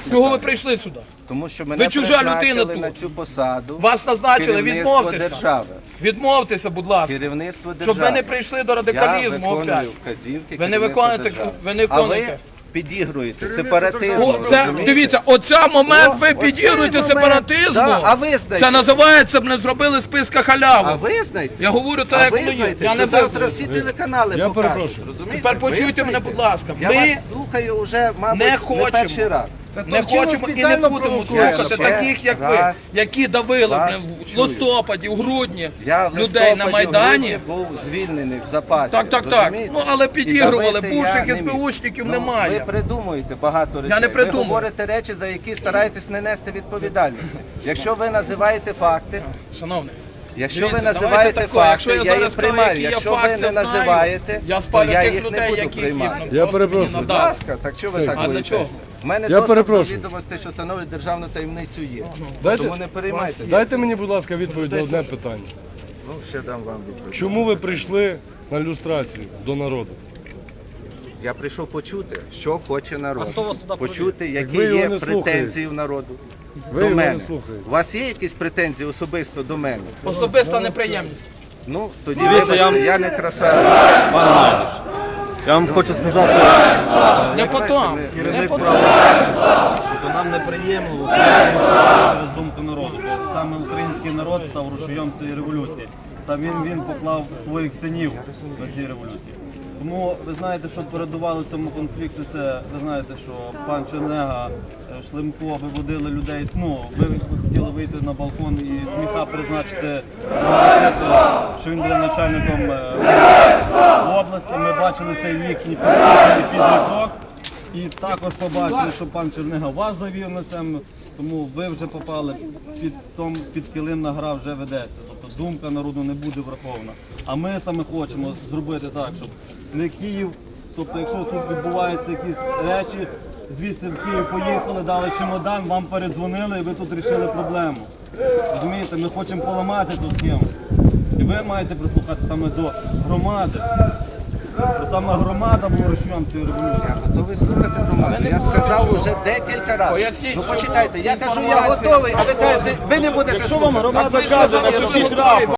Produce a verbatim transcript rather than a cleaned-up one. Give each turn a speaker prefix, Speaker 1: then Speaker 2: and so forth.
Speaker 1: Чого ви прийшли сюди?
Speaker 2: Тому що мене
Speaker 1: Ви чужа людина
Speaker 2: призначили
Speaker 1: тут.
Speaker 2: на цю посаду.
Speaker 1: Вас назначили,
Speaker 2: керівництво
Speaker 1: відмовтеся.
Speaker 2: держави.
Speaker 1: Відмовтеся, будь ласка.
Speaker 2: Керівництво держави.
Speaker 1: Щоб ми не прийшли до
Speaker 2: Я
Speaker 1: радикалізму
Speaker 2: виконую
Speaker 1: опять.
Speaker 2: вказівки
Speaker 1: Ви не
Speaker 2: керівництва
Speaker 1: виконуєте,
Speaker 2: держави.
Speaker 1: ви не
Speaker 2: А ви
Speaker 1: виконуєте.
Speaker 2: підігруєте сепаратизму.
Speaker 1: О, це,
Speaker 2: розумієте?
Speaker 1: дивіться, оця момент
Speaker 2: О,
Speaker 1: ви
Speaker 2: оцей
Speaker 1: підігруєте
Speaker 2: момент.
Speaker 1: сепаратизму.
Speaker 2: Да, а ви знаєте.
Speaker 1: Це називається, б не зробили списка
Speaker 2: А
Speaker 1: халяву.
Speaker 2: ви знаєте?
Speaker 1: Я говорю
Speaker 2: А
Speaker 1: так, як
Speaker 2: ви
Speaker 1: воно є.
Speaker 2: знаєте,
Speaker 1: Я
Speaker 2: що
Speaker 1: не
Speaker 2: завтра
Speaker 1: визнаю.
Speaker 2: всі телеканали
Speaker 3: Я
Speaker 2: покажуть.
Speaker 3: перепрошую.
Speaker 2: Розумієте?
Speaker 1: Тепер
Speaker 2: Ви
Speaker 1: почуйте мене,
Speaker 2: знаєте?
Speaker 1: будь ласка.
Speaker 2: Я
Speaker 1: Ми
Speaker 2: вас слухаю вже, мабуть,
Speaker 1: не
Speaker 2: не
Speaker 1: хочемо.
Speaker 2: перший раз.
Speaker 1: не хочемо і не будемо слухати
Speaker 2: ще
Speaker 1: таких, як ви,
Speaker 2: раз
Speaker 1: які давили
Speaker 2: вас
Speaker 1: блин, в
Speaker 2: чую.
Speaker 1: листопаді, в грудні
Speaker 2: Я в
Speaker 1: людей на
Speaker 2: листопаді,
Speaker 1: Майдані.
Speaker 2: в грудні був звільнений в запасі.
Speaker 1: Так, так, так.
Speaker 2: розумієте?
Speaker 1: Ну, але
Speaker 2: І
Speaker 1: підігрували,
Speaker 2: давити
Speaker 1: бувших
Speaker 2: я не міг.
Speaker 1: СБУшників
Speaker 2: Ну,
Speaker 1: немає.
Speaker 2: Ви придумуєте багато речей.
Speaker 1: не придумую.
Speaker 2: Ви говорите речі, за які стараєтесь не нести відповідальності. Якщо ви називаєте факти,
Speaker 1: Шановний,
Speaker 2: якщо
Speaker 1: дивіться,
Speaker 2: ви
Speaker 1: давайте
Speaker 2: називаєте
Speaker 1: таке,
Speaker 2: факти,
Speaker 1: якщо я
Speaker 2: я
Speaker 1: зараз
Speaker 2: їх
Speaker 1: скажу,
Speaker 2: приймаю.
Speaker 1: які я
Speaker 2: Якщо ви
Speaker 1: факти
Speaker 2: не
Speaker 1: знаю,
Speaker 2: називаєте,
Speaker 1: я
Speaker 2: то
Speaker 1: спалю
Speaker 2: я
Speaker 1: тих
Speaker 2: їх не
Speaker 1: людей,
Speaker 2: буду
Speaker 1: яких
Speaker 2: приймати.
Speaker 1: їм
Speaker 3: Я
Speaker 1: просто
Speaker 3: перепрошую.
Speaker 1: мені
Speaker 2: Будь
Speaker 1: надали.
Speaker 2: ласка, так що ви так
Speaker 1: А для
Speaker 2: боїтеся?
Speaker 1: чого?
Speaker 2: У мене
Speaker 3: Я
Speaker 2: доступ до
Speaker 3: перепрошую.
Speaker 2: відомостей, що становить державну таємницю є.
Speaker 3: Дайте-
Speaker 2: Тому не переймайтеся.
Speaker 3: Дайте мені, будь ласка, відповідь на одне питання.
Speaker 2: Ну, ще дам вам відповідь.
Speaker 3: Чому ви прийшли на люстрацію до народу?
Speaker 2: Я прийшов почути, що хоче народ. Почути, які
Speaker 3: ви його
Speaker 2: є
Speaker 3: не
Speaker 2: претензії в народу.
Speaker 3: Ви
Speaker 2: До
Speaker 3: його
Speaker 2: мене.
Speaker 3: не слухаєте.
Speaker 2: У вас є якісь претензії особисто до мене?
Speaker 1: Особиста неприємність.
Speaker 2: Ну, тоді вибачте, я не красавець.
Speaker 4: Я вам хочу сказати,
Speaker 1: Не потом, не
Speaker 4: керівник
Speaker 1: потом.
Speaker 4: права, що то нам неприємно виступати через думку народу. Бо саме український народ став рушієм цієї революції. Сам він, він поклав своїх синів на цій революції. Тому ви знаєте, що передувало цьому конфлікту, це ви знаєте, що пан Чернега, е, Шлемко виводили людей. Ну, ви хотіли вийти на балкон і Сміха призначити, що він буде начальником е, області. Ми бачили цей їхній підлий крок. І також побачили, що пан Чернега вас завів на цьому, тому ви вже попали під, том, під килим на гра вже ведеться. Тобто думка народу не буде врахована. А ми саме хочемо зробити так, щоб не Київ, тобто якщо тут відбуваються якісь речі, звідси в Київ поїхали, дали чемодан, вам передзвонили і ви тут вирішили проблему. Розумієте, ми хочемо поламати ту схему. І ви маєте прислухати саме до громади. Бо саме громада була рушієм цієї революції.
Speaker 2: Я готовий слухати громаду. Я сказав вже декілька разів.
Speaker 1: Поясніть,
Speaker 2: Ну
Speaker 1: що
Speaker 2: почекайте, я кажу, я
Speaker 1: інформація-
Speaker 2: готовий, а ви кажете, ви не будете слухати.
Speaker 4: Громада
Speaker 2: Так ви
Speaker 4: каже
Speaker 2: сказали,
Speaker 4: на
Speaker 2: що ви
Speaker 4: сусід
Speaker 2: готові.